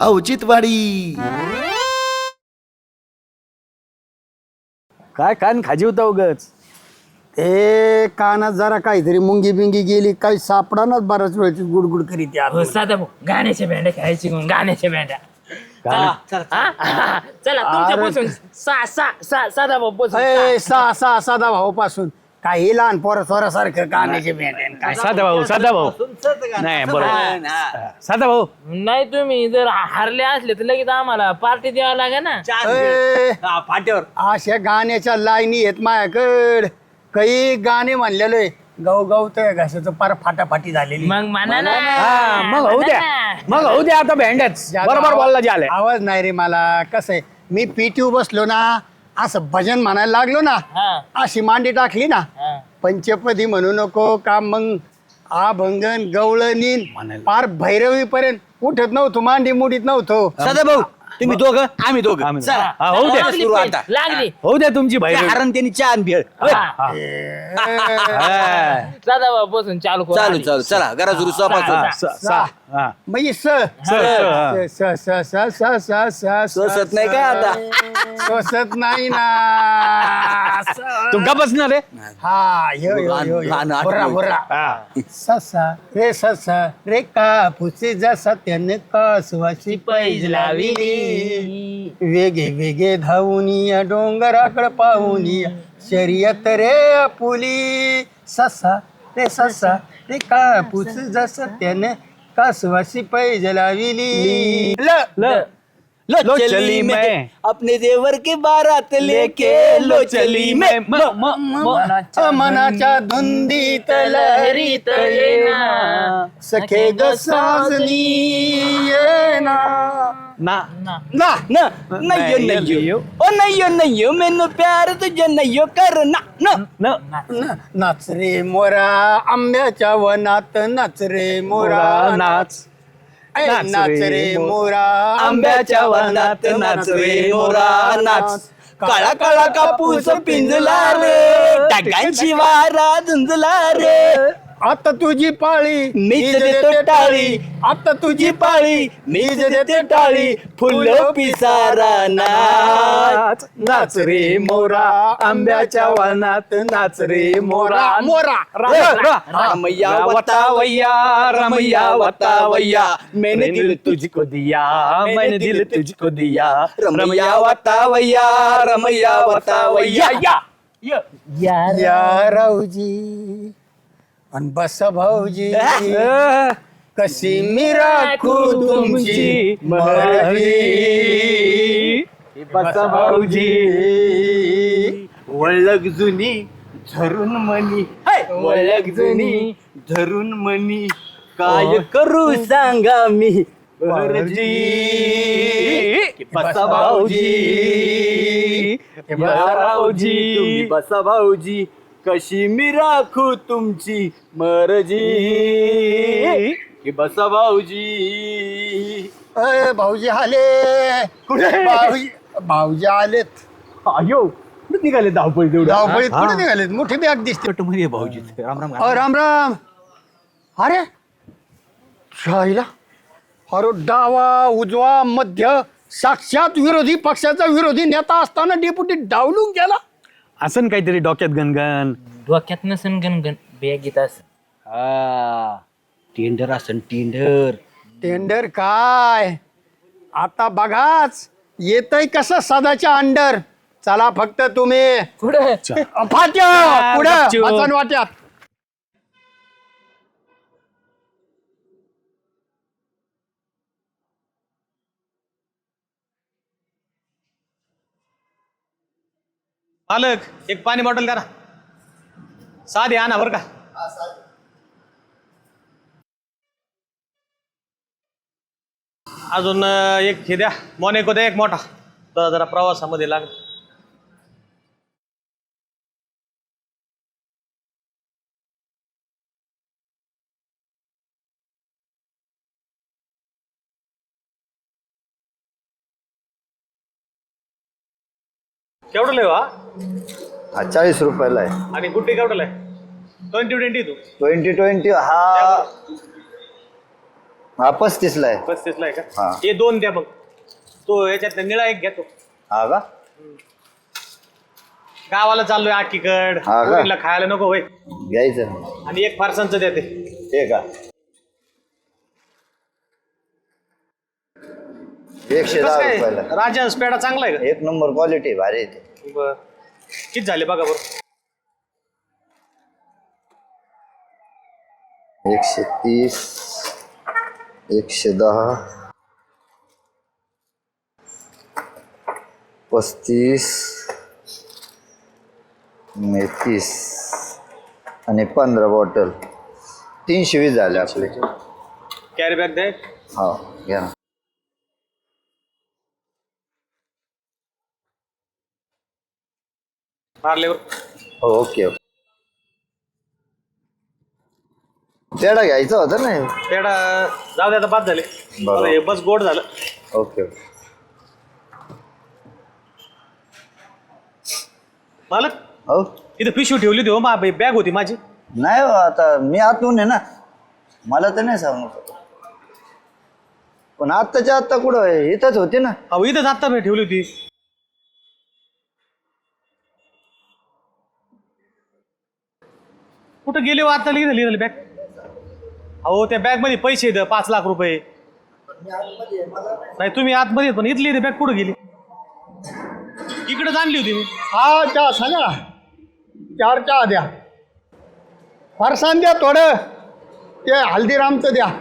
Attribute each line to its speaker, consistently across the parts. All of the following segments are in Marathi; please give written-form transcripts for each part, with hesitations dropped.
Speaker 1: औचित्यवाडी.
Speaker 2: काय कान खाजी होता उगच.
Speaker 3: ए कानात जरा काहीतरी मुंगी बिंगी गेली काही सापडानाच बराच वेळची गुडगुड करीत
Speaker 4: हो साधा भाऊ गाण्याच्या बँड्या खेळायची मग गाण्याच्या बँड्या. चला तुमच्यापासून साधा भाऊ पासून
Speaker 3: साधा भाऊ पासून काही लहान पोरासारखं कानाचे भेटेन काय
Speaker 2: साधा भाऊ नाही बरोबर साधा भाऊ.
Speaker 4: नाही तुम्ही जर हारले असले तर लगेच आम्हाला पार्टी द्यावं लागेल ना.
Speaker 3: फाट्यावर अशा गाण्याच्या लाईनी आहेत माझ्याकड काही गाणे म्हणलेले गौ गौ तर घासाचं पार फाटाफाटी झालेली.
Speaker 4: मग म्हणा ना.
Speaker 2: मग होऊ द्या आता भेंड्याच बरोबर बोलला झालंय.
Speaker 3: आवाज नाही रे मला. कसं आहे मी पीटीयू बसलो ना असं भजन म्हणायला लागलो ना अशी मांडी टाकली ना पंचपदी म्हणू नको का मग आभंगन गवळणीन पार भैरवी पर्यंत उठत नव्हतो मांडी मुडीत नव्हतो.
Speaker 5: सदा भाऊ तुम्ही दोघं आम्ही दोघं
Speaker 2: होऊ द्या
Speaker 5: सुरू आता
Speaker 4: लागली
Speaker 2: होऊ द्या तुमची भाई
Speaker 5: कारण त्यांनी चहा भेळ
Speaker 4: साधा भाऊ पासून चालू करू
Speaker 5: चालू
Speaker 4: आधी.
Speaker 5: चालू चला घरा सुरू
Speaker 3: म्हणजे
Speaker 5: सोसत नाही काय आता
Speaker 3: सोसत नाही ना.
Speaker 2: तू का बसणार रे.
Speaker 3: हा यो यो यो यो. Hurrah, hurrah. ससा रे कापूस जसा त्याने कासवाशी पैज लाविली वेगे वेगे धावूनिया डोंगराकडे पाहुनिया शर्यत रे आपुली. ससा रे कापूस जसा त्याने कासवाशी पैज लाविली.
Speaker 5: लो चली मैं अपने देवर की बारात लेके लो चली मैं
Speaker 3: मनाच्या धुंदीत लहरीत येना सखे ग साजनी येना
Speaker 2: ना
Speaker 5: ना ना नहीं नहीं मैनू प्यार तुझे नहीं करना
Speaker 3: नाच रे मोरा आंब्याच्या वनात नाच रे मोरा
Speaker 2: नाच
Speaker 3: नाच रे मोरा
Speaker 5: आंब्याच्या वनात नाच रे मोरा नाच काळा काळा कापूस पिंजला रे टाकांची वारा झुंजला रे
Speaker 3: आता तुझी पाळी
Speaker 5: मीच देतो टाळी
Speaker 3: आता तुझी
Speaker 5: पाळी मीच देते टाळी फुलं पिसारा नाच
Speaker 2: नाच रे मोरा आंब्याच्या वनात नाच रे मोरा
Speaker 3: मोरा
Speaker 5: रमैया वतावैया रमैया वतावैया
Speaker 2: मैंने दिल तुझको दिया मैंने दिल तुझको दिया
Speaker 5: रमैया वतावैया रमैया वतावैया
Speaker 3: या राऊजी अन बस भाऊजी कशी मी राखू तुमची मर्जी
Speaker 2: बस भाऊजी
Speaker 5: वळग जुनी धरून मनी वळग जुनी धरून मनी काय करू सांगा मी मर्जी बसा भाऊजी तुम्ही बसा भाऊजी कशी मी राखू तुमची मर्जी बसा भाऊजी.
Speaker 3: भाऊजी आले कुठे भाऊजी आलेत.
Speaker 2: अयो निघाले धावपळी
Speaker 3: धावपळीत कुठे निघालेत मोठी बॅग दिसते.
Speaker 5: भाऊजी राम राम
Speaker 3: राम राम. अरे शाहीला अरे डावा उजवा मध्य साक्षात विरोधी पक्षाचा विरोधी नेता असताना डेप्युटी डावलून गेला.
Speaker 2: असं काहीतरी डोक्यात गणगण.
Speaker 4: डोक्यात नसन गणगण बॅगीत असं.
Speaker 5: टेंडर असन टेंडर
Speaker 3: टेंडर काय आता बघाच येतय कसं सदाच्या अंडर. चला फक्त तुम्ही
Speaker 4: पुढे
Speaker 3: फाट्या पुढे वाचन वाट्यात.
Speaker 6: मालक एक पाणी बॉटल करा साधे आणा बरं का. अजून एक हे द्या मोनेको द्या एक मोठा जरा प्रवासामध्ये लाग. केवढं लेवा
Speaker 7: 40 रुपयाला आहे.
Speaker 6: आणि गुड्डी केवढं आहे 2020 तू
Speaker 7: 2020 हा हा 35 ला आहे.
Speaker 6: 35 ला आहे
Speaker 7: हा.
Speaker 6: का? हे 2 द्या मग. तो याच्यात निळा एक घेतो.
Speaker 7: हा का?
Speaker 6: गावाला चाललोय आकीकड.
Speaker 7: हा का?
Speaker 6: पोरीला खायला नको होय.
Speaker 7: घ्यायचं.
Speaker 6: आणि एक फारसांचं द्या ते.
Speaker 7: हे का? 110
Speaker 6: कसं काय?
Speaker 7: रुपयाला.
Speaker 6: राजहंस पेढा चांगला आहे
Speaker 7: एक नंबर क्वालिटी भारी आहे ते.
Speaker 6: का? बर. किती झाले बघा बरं.
Speaker 7: 130 110 35 30 आणि 15 बॉटल 320 झाले आपले.
Speaker 6: कॅरी बॅग द्या.
Speaker 7: हा घ्या ना.
Speaker 6: मारल्यावर
Speaker 7: हो ओके ओके. पेढा घ्यायचा होता ना.
Speaker 6: पेढा जाऊ द्या आता बाद झाले.
Speaker 7: बरोबर.
Speaker 6: मला हे बस गोड झालं.
Speaker 7: Okay okay.
Speaker 6: मालक
Speaker 7: हो
Speaker 6: इथं पिशवी ठेवली होती हो बॅग होती माझी.
Speaker 7: नाही हो, आता मी आतून आहे ना, मला तर नाही सांगू. पण आत्ताच्या आत्ता कुठं आहे? इथंच होते ना.
Speaker 6: अहो इथं जाता मी ठेवली होती. कुठं गेली हो आता लिहिली बॅग. अहो त्या बॅग मध्ये पैसे आहेत 5 लाख रुपये. नाही तुम्ही आतमध्ये आहेत, पण इथली बॅग कुठं गेली? इकडे आणली होती मी.
Speaker 3: हा चहा सांगा ना. 4 चहा द्या. फरसाण द्या थोडं. ते हल्दीरामचं द्या.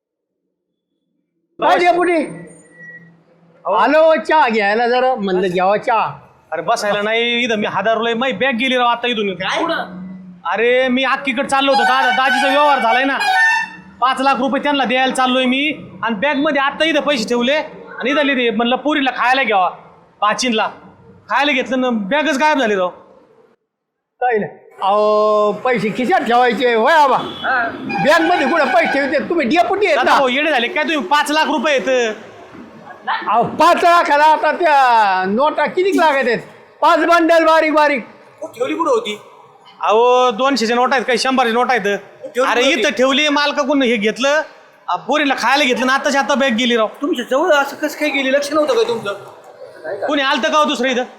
Speaker 3: काय द्या पुढे आलो चहा घ्यायला जरा म्हणलं घ्यावा चहा.
Speaker 6: अरे बसायला नाही इथं मी हादारलोय. माझी बॅग गेली राव आता इथून. अरे मी अख्खीकडे चाललो होतो. दाजीचा व्यवहार झालाय ना. 5 लाख रुपये त्यांना द्यायला चाललोय मी. आणि बॅग मध्ये आता इथं पैसे ठेवले आणि इथं लिहिले म्हणलं पुरीला खायला घ्यावा. 5 खायला घेतलं ना बॅगच गायब झाली राव.
Speaker 3: काय नाही. अहो पैसे खिशात ठेवायचे होय आबा. बॅग मध्ये कुठे पैसे ठेवते तुम्ही डेपुटी आहेत
Speaker 6: दादा
Speaker 3: ना.
Speaker 6: भाऊ येडे झाले काय तुम्ही? 5 लाख रुपये येत.
Speaker 3: अहो 5 लाखाला आता त्या नोटा किती लागत आहेत? 5 बंडल बारीक बारीक.
Speaker 5: ठेवली कुठं होती?
Speaker 6: अहो 200च्या नोट आहेत काही 100च्या नोट आहेत. अरे इथं ठेवली मालकाकडून हे घेतलं पोरीला खायला घेतलं ना आताच्या आता बॅग गेली राव.
Speaker 5: तुमच्या जवळ असं कसं काय गेली? लक्ष नव्हतं काय तुमचं?
Speaker 6: कोणी आलतं का हो दुसरं इथं?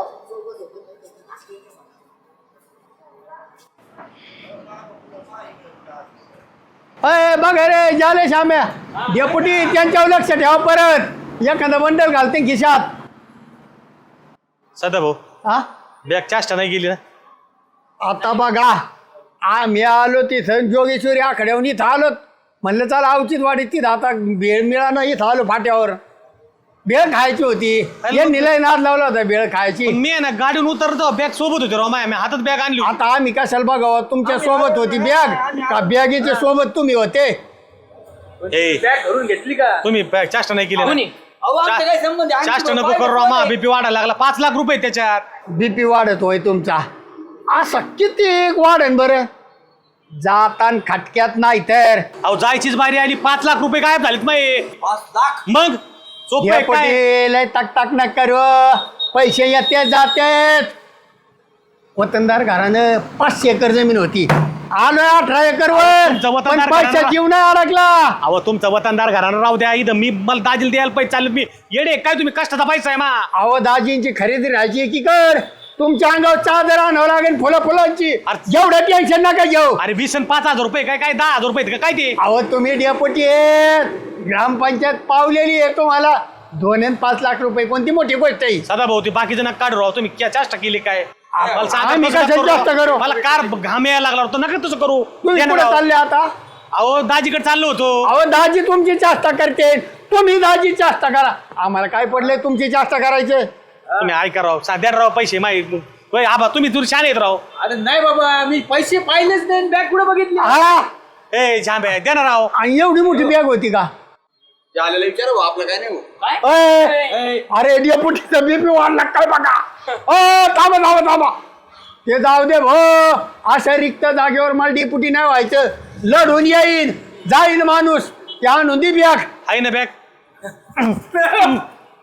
Speaker 3: अय बघ रे झाले श्याम्या. डेपुटी त्यांच्यावर लक्ष ठेवा. परत एखादं बंडल घालते खिशात.
Speaker 6: सदा भाऊ
Speaker 3: हा
Speaker 6: बॅग चाष्टा नाही गेली ना.
Speaker 3: आता बघा आम्ही आलो तिथं जोगेश्वरी आखड्यावरून इथं आलो. म्हणलं चला अवचित वाडीत तिथं आता भेळ मिळाला इथं आलो फाट्यावर. भेळ खायची होती. यांनी लय नाद लावला होता भेळ खायची.
Speaker 6: पण मी आहे ना गाडीवर उतरतो बॅग सोबत होती राव. माझ्या हातात बॅग आणली होती.
Speaker 3: आता आम्ही कशाला बघावं? तुमच्या सोबत होती बॅग का बॅगेच्या सोबत तुम्ही होते?
Speaker 6: ए,
Speaker 5: बॅग घरून घेतली का?
Speaker 6: तुम्ही बॅग चाष्टा नाही केली
Speaker 5: कोणी?
Speaker 6: ना.
Speaker 5: अहो आमचा काय संबंध आहे? आम्ही
Speaker 6: चाष्टा नको
Speaker 5: तुम्हाला
Speaker 6: करू राव. मा
Speaker 5: पाहिजे.
Speaker 6: बीपी वाढायला लागला. 5 लाख रुपये त्याच्यात.
Speaker 3: बीपी वाढत होय तुमचा. असं किती वाढेन बरं? जातान खटक्यात नाही तर
Speaker 6: अहो जायचीच बारी आली. 5 लाख रुपये गायब झालेत माये.
Speaker 5: 5 लाख?
Speaker 6: मग सोपं आहे काय?
Speaker 3: डेपुटी लय तक न करू. पैसे येते जाते. वतनदार घरानं 500 एकर जमीन होती. आलोय 18 एकर वर.
Speaker 6: तुमचं
Speaker 3: पण
Speaker 6: वतनदार
Speaker 3: पैसा
Speaker 6: घराणं-
Speaker 3: जीव नाही अडकला.
Speaker 6: अहो तुमचं वतनदार घरानं राहू द्या. इथं मी मला दाजीला द्यायला पैसे चालले. मी येडे काय तुम्ही? कष्टाचा पैसा आहे मा.
Speaker 3: अहो दाजींची खरेदी राहायची एकीकड. तुमच्या अंगावर चादर आणावं लागेल फुलांची.
Speaker 6: अरे-
Speaker 3: एवढं टेन्शन नका घेऊ.
Speaker 6: अरे 20 आणि 5,000 रुपये काय काय 10,000 रुपये आहेत का काय ते?
Speaker 3: अहो तुम्ही डेपुटी आहेत. ग्रामपंचायत पावलेली आहे तुम्हाला. 2 आणि 5 लाख रुपये कोणती मोठी गोष्ट आहे?
Speaker 6: सदा भाऊ ते बाकीचं नका काढू राव. तुम्ही क्या चाष्टा केली काय? मला सांगा,
Speaker 3: आम्ही
Speaker 6: कसं
Speaker 3: कशाला
Speaker 6: करू
Speaker 3: चाष्टा
Speaker 6: राव?
Speaker 3: करू?
Speaker 6: मला कार घाम यायला लागला होता. नका तसं करू.
Speaker 3: तुम्ही
Speaker 6: या ना
Speaker 3: कुठे
Speaker 6: राव.
Speaker 3: चालले आता?
Speaker 6: अहो दाजीकडे चाललो होतो.
Speaker 3: अहो दाजी तुमची चाष्टा करते. तुम्ही दाजी चाष्टा करा. आम्हाला काय पडले तुमची चाष्टा करायचे?
Speaker 6: तुम्ही ऐका राव. साध्या राव पैसे माहिती. आबा तुम्ही दूर छान येत राव.
Speaker 5: अरे नाही बाबा मी पैसे पाहिलेच नाही. बॅग कुठे बघितली?
Speaker 3: हा
Speaker 6: ए झांबे द्या ना राव.
Speaker 3: आणि एवढी मोठी बॅग होती का?
Speaker 5: आलेला विचारू आपलं काय नाही.
Speaker 3: अय, अरे डेपुटीचा बीपी वाढला काय बघा. थांबा ते जाऊ दे भो. अशा रिक्त जागेवर मला डेपुटी नाही व्हायचं. लढून येईन जाईन माणूस. त्या आणून दी बॅग.
Speaker 6: आहे ना बॅग.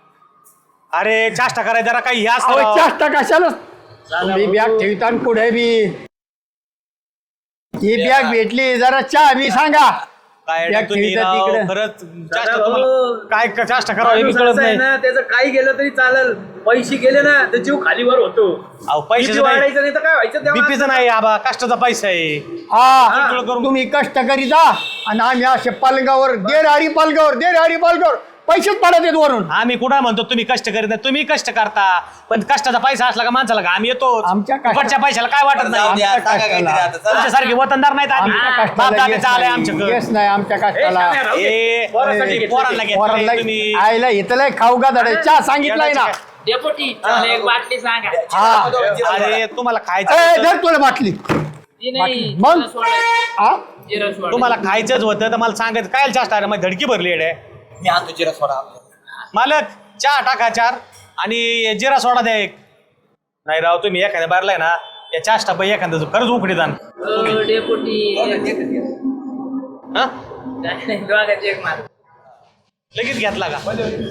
Speaker 6: अरे चाष्टा करायचं जरा काही हे असतं
Speaker 3: अहो
Speaker 6: राव.
Speaker 3: चाष्टा कशाला? तुम्ही बॅग ठेवता पुढे बी. ही बॅग भेटली जरा चहा बी सांगा.
Speaker 6: काय
Speaker 3: त्या
Speaker 6: तुम्ही
Speaker 3: खेळीचा
Speaker 6: राव,
Speaker 3: तिकडं.
Speaker 6: खरंच चाष्टा तुम्हाला काय चाष्टा करावं हे बी कळत नाही.
Speaker 4: त्याचं काही गेलं तरी चालेल, पैसे गेले ना तर जीव खालीवर होतो.
Speaker 6: अहो पैशाचं नाही,
Speaker 4: वाढायचं नाही तर काय व्हायचं तेव्हा?
Speaker 6: बीपीचं नाही आबा, कष्टाचा पैसा आहे.
Speaker 3: हा तुम्ही कष्ट करी जा आणि आम्ही असे पालगावर पालगावर पैसेच पडत येत वरून.
Speaker 6: आम्ही कुठं म्हणतो तुम्ही कष्ट करीत नाही, तुम्ही कष्ट करता, पण कष्टाचा पैसा असला का माणसाला का आम्ही येतो.
Speaker 3: आमच्या कष्टा-
Speaker 6: फुकटच्या पैशाला काय वाटत नाही.
Speaker 7: जाऊ द्या,
Speaker 3: आमच्या
Speaker 7: सांगा काहीतरी
Speaker 3: कष्टाला.
Speaker 7: आता, चला.
Speaker 6: तुमच्यासारखे वतनदार नाहीत आम्ही.
Speaker 3: आमच्या
Speaker 6: बाप
Speaker 3: कष्टाला
Speaker 6: दादा चालय आमच्याकडे.
Speaker 3: येस नाही आमच्या कष्टाला.
Speaker 6: पोरांना घेतलंय
Speaker 3: पोरांना
Speaker 6: तुम्ही.
Speaker 3: आईला इथलं खाऊ का धडे चहा सांगितलंय ना.
Speaker 4: डेपुटी चला एक बाटली सांगा.
Speaker 3: हा
Speaker 6: अरे तुम्हाला
Speaker 3: ए,
Speaker 6: खायचं
Speaker 3: धर तुला बाटली.
Speaker 4: ती नाही,
Speaker 3: मग?
Speaker 4: जिरं सोडायचं.
Speaker 3: हा
Speaker 4: जिरं सोडायचं.
Speaker 6: तुम्हाला खायचंच होतं तर मला सांगायचं काय चाष्टा आहे, माझी धडकी भरली आहे.
Speaker 7: मी आणतो जिरा सोडा.
Speaker 6: मालक चहा टाका 4 आणि जिरा सोडा द्या 1. नाही राव तुम्ही एखाद्या बारलाय ना या चाष्टा पाहिजे एखाद्याचं खरंच उकडी दान.
Speaker 4: डेपुटी
Speaker 6: हा
Speaker 4: काय नाही, दोघांची एक मार.
Speaker 6: लगेच घेतला का?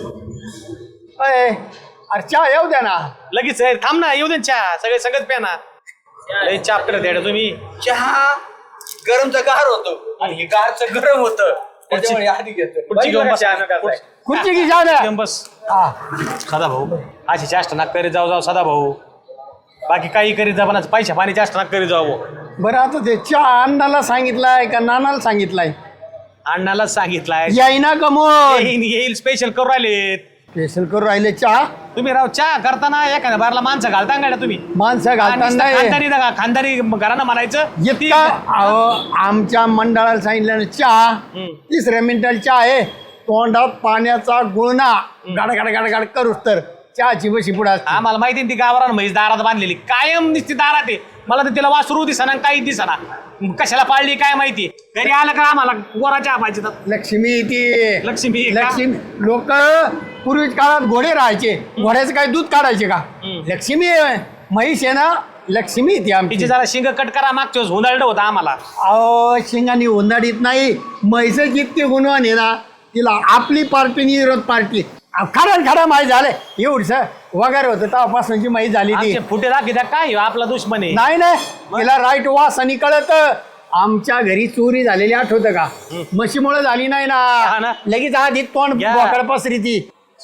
Speaker 3: अय, अरे चहा येऊ द्या ना.
Speaker 6: लगेच थांब ना, येऊ दे ना चहा, सगळे सगळंच प्या ना. लय चाप करत आहे तुम्ही.
Speaker 7: चहा गरमचं गार होतो आणि हे गारचं गरम होतं, त्याच्यामुळे आधी घेतो.
Speaker 6: खुर्ची घेऊन बस.
Speaker 3: खुर्ची की चहा द्या.
Speaker 6: घेऊन बस.
Speaker 3: हा.
Speaker 6: सदा भाऊ अशी चाष्टा नाक करीत जाऊ सदा भाऊ. बाकी काही करीत जा, पण पैशा पाणी चाष्टा नाक करीत जाऊ.
Speaker 3: बरं आता ते चहा अण्णाला सांगितलाय का नानाला सांगितलाय?
Speaker 6: अण्णालाच सांगितलाय.
Speaker 3: यायना कमोल
Speaker 6: येईल स्पेशल करू राहिलेत.
Speaker 3: स्पेशल करून राहिले चहा.
Speaker 6: तुम्ही राव चहा करताना एखाद्या बारला माणसं घालता का तुम्ही?
Speaker 3: माणसं घालताना
Speaker 6: खानदारी घरानं म्हणायचं
Speaker 3: इतका अहो, आमच्या मंडळाला सांगितलं ना चहा 3 मिनिटाला चहा आहे, तोंडात पाण्याचा गुळणा गाड करूच तर चहाची बशी पुढे असते.
Speaker 6: आम्हाला माहिती ती गावरान म्हैस दारात बांधलेली कायम दिसती दारात आहे. मला तर तिला वासरू दिसना काही दिसना, कशाला पाळली काय माहिती. घरी आलं का आम्हाला गोरा चहा पाहिजे.
Speaker 3: लक्ष्मी ती
Speaker 6: लक्ष्मी का?
Speaker 3: लक्ष्मी लोक पूर्वीच्या काळात घोडे राहायचे, घोड्याचं काय दूध काढायचे का? लक्ष्मी आहे, म्हैस आहे ना, लक्ष्मी ती आमची.
Speaker 6: तिचे जरा शिंग कट करा, मागच्या वेळेस हुंदळलं होतं आम्हाला.
Speaker 3: अहो शिंगानी उन्हाळीत नाही, म्हैस जितकी गुणवान आहे ना, तिला आपली पार्टी आणि विरोध पार्टी खडा माहीत झालंय. एवढस वगैरे होतं तेव्हापासूनची माहीत झाली ती.
Speaker 6: आमचे फुटे दाखवता काय आपला दुश्मन आहे.
Speaker 3: नाही तिला राईट वास आणि कळत. आमच्या घरी चोरी झालेली आठवतं का? म्हशीमुळे झाली नाही
Speaker 6: हा ना.
Speaker 3: ना, लगेच आधी तोंड
Speaker 6: घ्या.
Speaker 3: बोकड पसरी ती.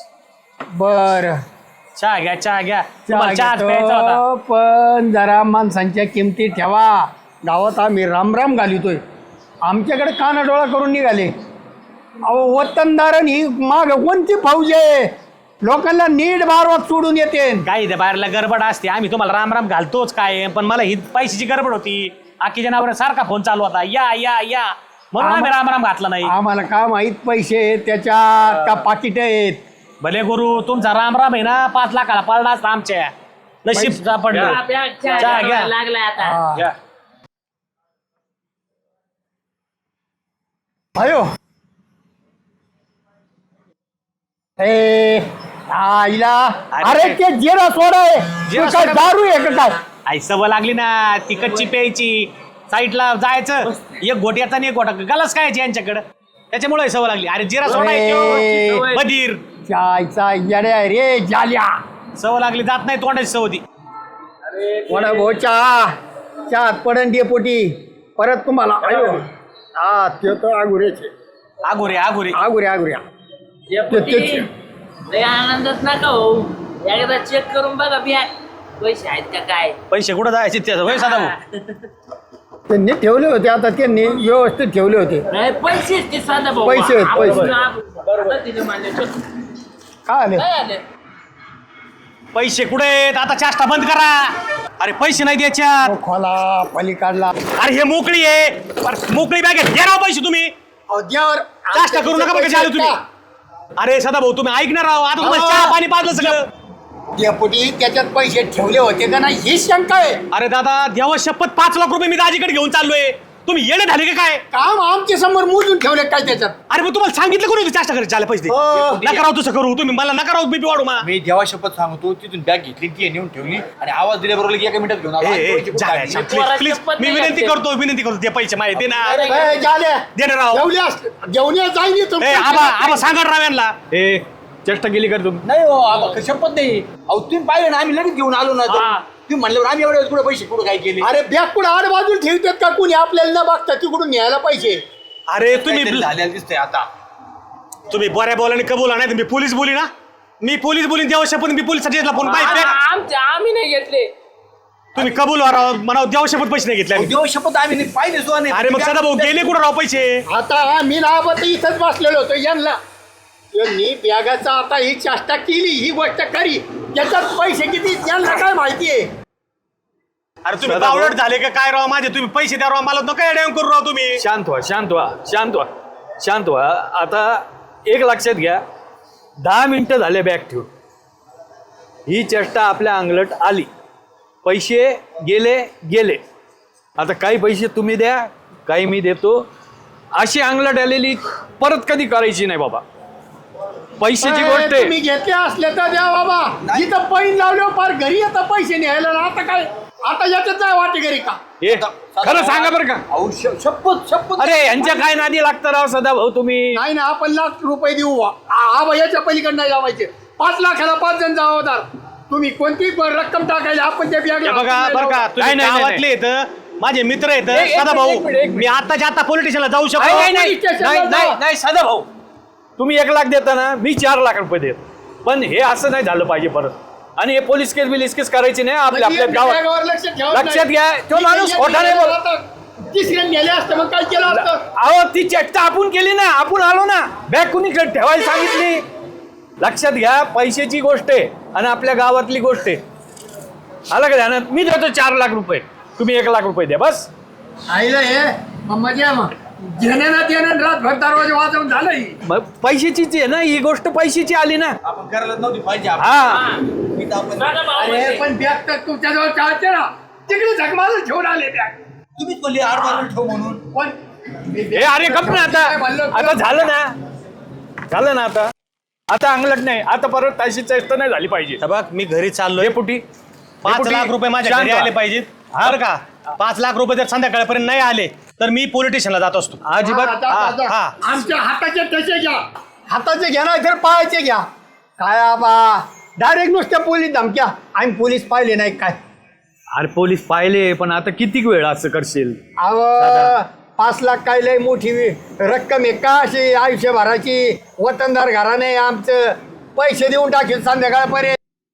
Speaker 3: बर
Speaker 6: चहा घ्या चहा घ्या. तुम्हाला चहाच प्यायचा होता.
Speaker 3: घेतो, पण जरा माणसांच्या किमती ठेवा. गावात आम्ही रामराम घालितोय, आमच्याकडे कानाडोळा करून निघाले. अहो वतनदारन ही माग कोणती फौज आहे? लोकांना नीट बारवात सोडून येते.
Speaker 6: काही त्या बाहेरला गडबड असते, आम्ही तुम्हाला रामराम घालतोच काय, पण मला ही पैशाची गडबड होती. आकीच्या नावावर सारखा फोन चालू होता, या या या, म्हणून आम्ही रामराम घातला नाही.
Speaker 3: आम्हाला का माहित पैसे आहेत त्याच्यात का पाकिट आहेत?
Speaker 6: भले गुरु तुमचा रामराम आहे ना 5 लाखाला पडला असता आमच्या. नशीब सापडलं.
Speaker 4: आपल्या
Speaker 6: चहा
Speaker 4: चहा
Speaker 6: घ्या.
Speaker 4: लागलाय आता.
Speaker 3: हा.
Speaker 6: घ्या.
Speaker 3: अयो ए आईला, अरे ते जिरा सोडा आहे,
Speaker 6: जिरा
Speaker 3: तू काय
Speaker 6: सोडा.
Speaker 3: दारू आहे का काय?
Speaker 6: आई सवय लागली ना ती कच्ची प्यायची, साईडला जायचं, एक घोट्याचा आणि एक घोटा गलास काय यांच्याकडं, त्याच्यामुळे सवय लागली. अरे जिरा सोडा आहे
Speaker 3: अरे.
Speaker 6: त्यो. बधीर
Speaker 3: चायचा येड्या रे जाल्या.
Speaker 6: सवय लागली, जात नाही तोंडाची सवय ती.
Speaker 3: वडा भाऊ चहा पडन डेपोटी परत तुम्हाला. अयो हा ते तर आगुऱ्याचे
Speaker 6: आगोरे आगोरे
Speaker 3: आगुऱ्या
Speaker 4: डेपुटी, लय आनंदच नका हो, एकदा चेक करून बघा बॅग पैसे आहेत का काय.
Speaker 6: पैसे कुठं जायचे त्याचं होय सदा भाऊ.
Speaker 3: त्यांनी ठेवले होते, आता त्यांनी व्यवस्थित ठेवले होते.
Speaker 4: नाही पैसे ते साधा भाऊ.
Speaker 3: पैसे आहेत,
Speaker 4: आपण-
Speaker 3: पैसे.
Speaker 4: आपण तिथे मानले.
Speaker 3: काय आले?
Speaker 4: काय आले?
Speaker 6: पैसे कुठे आहेत? आता चाष्टा बंद करा. अरे पैसे नाही द्यायच्यात.
Speaker 3: खोला पलीकडला
Speaker 6: अरे हे मोकळी आहे, बरं, मोकळी बॅग आहे, घ्या राव पैसे तुम्ही.
Speaker 3: अद्यावर
Speaker 6: चाष्टा करू नका बघा चालू तुम्ही. अरे सदा भाऊ तुम्ही ऐकणार राव, आता तुम्हाला चहा पाणी पाजलं सगळं.
Speaker 3: डेपुटी त्याच्यात पैसे ठेवले होते का नाही ही शंका आहे.
Speaker 6: अरे दादा देवा शपथ 5 लाख रुपये मी दाजीकडे घेऊन चाललोय. तुम्ही येणे झाले का काय?
Speaker 3: काम आमच्या समोर मोजून ठेवले काय त्याच्यात?
Speaker 6: अरे मग तुम्हाला सांगितलं कोणी चाष्टा करायचे चाले पैसे नका राव तसं करू तुम्ही, मला नका राव बीपी वाढू मा.
Speaker 7: मी देवा शपथ सांगतो, तिथून बॅग घेतली, ती नेऊन ठेवली आणि आवाज दिल्याबरोबर 1 मिनिटात घेऊन आलो.
Speaker 6: प्लीज मी विनंती करतो ते पैसे माहिती ना.
Speaker 3: ए, जाल्या.
Speaker 6: दे ना राव.
Speaker 3: जेवले असते घेऊन जाईल
Speaker 6: ए आबा सांगा राव यांना. ए चेष्टा केली कर तुम्ही.
Speaker 7: नाही हो आबा, शपथ नाही. अहो तुम्ही पाहिलं ना, आम्ही लगेच घेऊन आलो ना. तुम्ही म्हणल्यावर आम्ही एवढ्या कुठे पैसे कुठं काय केले?
Speaker 3: अरे बॅग कुठं आड बाजूला ठेवतात का कुणी आपल्याला न बघता तिकडून न्यायला पैसे?
Speaker 6: अरे तुम्ही
Speaker 7: काहीतरी झालेलं दिसतंय आता.
Speaker 6: तुम्ही बऱ्या बोलाने कबूला नाही तुम्ही पोलीस बोली ना. मी पोलीस बोलीन देवशपथ मी पोलीस फोन बाय
Speaker 4: आम्ही नाही घेतले.
Speaker 6: तुम्ही कबूल म्हणा देवशपथ पैसे नाही घेतले आम्ही.
Speaker 7: देव शपथ आम्ही नाही पाहिले सुद्धा नाही.
Speaker 6: अरे मग सदा भाऊ गेले कुठं राव पैसे.
Speaker 3: आता मी नावात इथंच बसलेलो होतो यांना यांनी बॅगाचा आता ही चेष्टा केली ही गोष्ट खरी त्याच्यात पैसे किती यांना काय माहितीये.
Speaker 6: अरे तुम्ही बावळट झाले का काय राव माझे तुम्ही पैसे द्या राव मला नका अडॅम करू राव तुम्ही.
Speaker 2: शांत व्हा शांत व्हा शांत व्हा शांत व्हा. आता एक लक्षात घ्या 10 मिनिटं झाले बॅग ठेवून. ही चेष्टा आपल्या अंगलट आली. पैसे गेले गेले. आता काही पैसे तुम्ही द्या काही मी देतो. अशी अंगलट आलेली परत कधी करायची नाही बाबा. पैशाची गोष्ट आहे.
Speaker 3: तुम्ही घेतले असले तर द्या बाबा. इथं पैन लावले पार घरी आता पैसे न्यायला ना आता काय आता याच्यात जाय वाटे घरी का.
Speaker 2: हे खरं सांगा बरं का.
Speaker 7: अहो, शपथ शपथ.
Speaker 2: अरे यांच्या काय नादी लागतं राव सदा भाऊ तुम्ही.
Speaker 3: नाही ना आपण ₹1,00,000 देऊ हा भैयाच्या पलीकडे नाही लावायचे. 5 लाखाला 5 जण जबाबदार. तुम्ही कोणती रक्कम टाकायची आपण त्या
Speaker 6: हे बघा बरं का तुम्ही
Speaker 2: नाही, नाही,
Speaker 6: गावातले येत माझे मित्र येत
Speaker 2: एक
Speaker 6: सदा
Speaker 2: मिनिट,
Speaker 6: भाऊ
Speaker 2: एक मिनिट.
Speaker 6: मी आताच्या आता पोलीस स्टेशनला जाऊ
Speaker 2: नाही
Speaker 6: शकतो.
Speaker 2: नाही, नाही
Speaker 3: पोलीस स्टेशनला
Speaker 2: नाही
Speaker 3: जा.
Speaker 2: नाही नाही सदा भाऊ तुम्ही 1 लाख देता ना मी 4 लाख रुपये देत. पण हे असं नाही झालं पाहिजे परत. आणि हे पोलीस केस करायची नाही आपल्या आपल्या गावात. लक्षात घ्या तो माणूस खोटा नाही बोल.
Speaker 3: तिसऱ्या नेले असतं मग काय केलं असतं.
Speaker 2: अहो ती चेष्टा आपण केली ना. आपण आलो ना बॅग कुणीकडे ठेवायला सांगितली. लक्षात घ्या पैशाची गोष्ट आहे आणि आपल्या गावातली गोष्ट आहे. आलं का ध्यानात. मी देतो 4 लाख रुपये तुम्ही 1 लाख रुपये द्या बस.
Speaker 3: आईला हे मजा मग घेण्याना देणं रातभर दरवाजा वाजवून झालं ही.
Speaker 2: मग पैशाचीच आहे ना ही गोष्ट पैशाची आली ना.
Speaker 7: आपण करायला नव्हती पाहिजे आपण.
Speaker 2: हा
Speaker 7: मी तर आपण-
Speaker 4: सदा भाऊ
Speaker 3: अरे
Speaker 4: म्हणजे.
Speaker 3: पण बॅग तर तुमच्याजवळ चालते ना तिकडे झकमारून ठेवून आले बॅग.
Speaker 7: तुम्हीच बोलले आडवायला ठेव म्हणून.
Speaker 3: पण
Speaker 2: हे अरे गप ना आता. आता झालं ना झालं ना आता. आता अंगलट नाही. आता परत तशी चेष्टा नाही झाली पाहिजे.
Speaker 6: हे बघ मी घरी चाललोय.
Speaker 2: डेपुटी
Speaker 6: 5 लाख रुपये माझ्या घरी आले पाहिजेत बरं का. 5 लाख रुपये जर संध्याकाळपर्यंत नाही आले तर मी पोलीस स्टेशनला जात असतो.
Speaker 2: अजिबात
Speaker 6: हा.
Speaker 3: आमच्या हाताचे ठसे घ्या. हाताचे घ्या ना तर पायाचे घ्या. काय आबा डायरेक्ट नुसत्या पोलीस धमक्या. आम्ही पोलीस पाहिले नाही काय.
Speaker 2: अरे पोलीस पाहिले पण आता किती वेळ असं करशील.
Speaker 3: अव 5 लाख काय लय मोठी रक्कम आहे का अशी आयुष्यभराची. वतनदार घराने आमचं पैसे देऊन टाकेल संध्याकाळपर्यंत.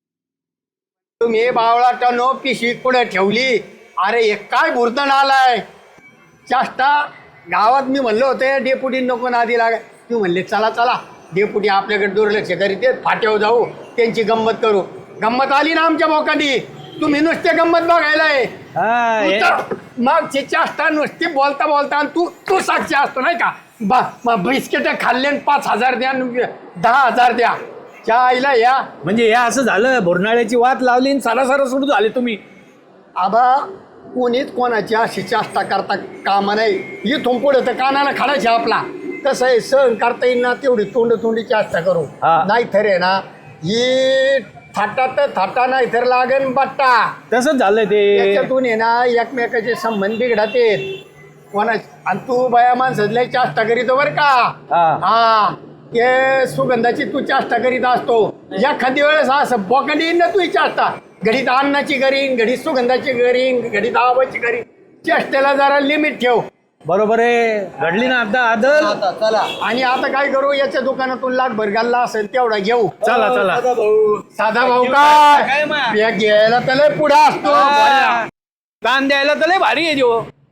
Speaker 3: तुम्ही बावळाटानो पिशवी पुढे ठेवली. अरे हे काय भुरतण आलाय. चाष्टा गावात मी म्हणलं होतं डेपुटी नको नादी लाग. तू म्हणले चला चला डेपुटी आपल्याकडे दुर्लक्ष करीत फाट्यावर जाऊ त्यांची गंमत करू. गंमत आली ना आमच्या बोकांडी. तुम्ही नुसते गंमत बघायलाय.
Speaker 2: हा, हे-
Speaker 3: मागची चाष्टा नुसती बोलता बोलता आणि तू साक्षी असतो नाही का. बिस्किट खाल्ले 5,000 द्या 10,000 द्या त्या आईला या.
Speaker 2: म्हणजे हे असं झालं बोरनाळ्याची वाट लावली आणि सारा सुरू झाले तुम्ही.
Speaker 3: आबा कोणीच कोणाची अशी चाष्टा करता कामा नाही. इथून पुढे तर कानाला खाडायचे आपला. तसं आहे सहन करता येईल ना तेवढी तोंडी चाष्टा करू.
Speaker 2: हा.
Speaker 3: नाही तर आहे ना ही थाटा तर थाटा नाही तर लागन बट्टा.
Speaker 2: तसंच झालं ते.
Speaker 3: त्याच्यातून आहे ना एकमेकाचे संबंध बिघडत आहेत कोणा. आणि तू बाया माणसातल्या चाष्टा करीतो बरं का.
Speaker 2: हा.
Speaker 3: हा ते सुगंधाची तू चाष्टा करीत असतो. एखादी वेळेस असं बोकांडी येईन ना तू चाष्टा. घडीत अन्नाची करीन घडीत सुगंधाची करीन घडीत आवाची करीन. चेष्टेला जरा लिमिट ठेव.
Speaker 2: बरोबर आहे घडली ना आता आदल.
Speaker 7: आता चला.
Speaker 3: आणि आता काय करू याच्या दुकानातून लाखभर घालला असेल तेवढा घेऊ.
Speaker 2: चला चला.
Speaker 3: साधा भाऊ काय घ्यायला त्याला पुढे असतो.
Speaker 2: दान द्यायला तर लय भारी आहे जो.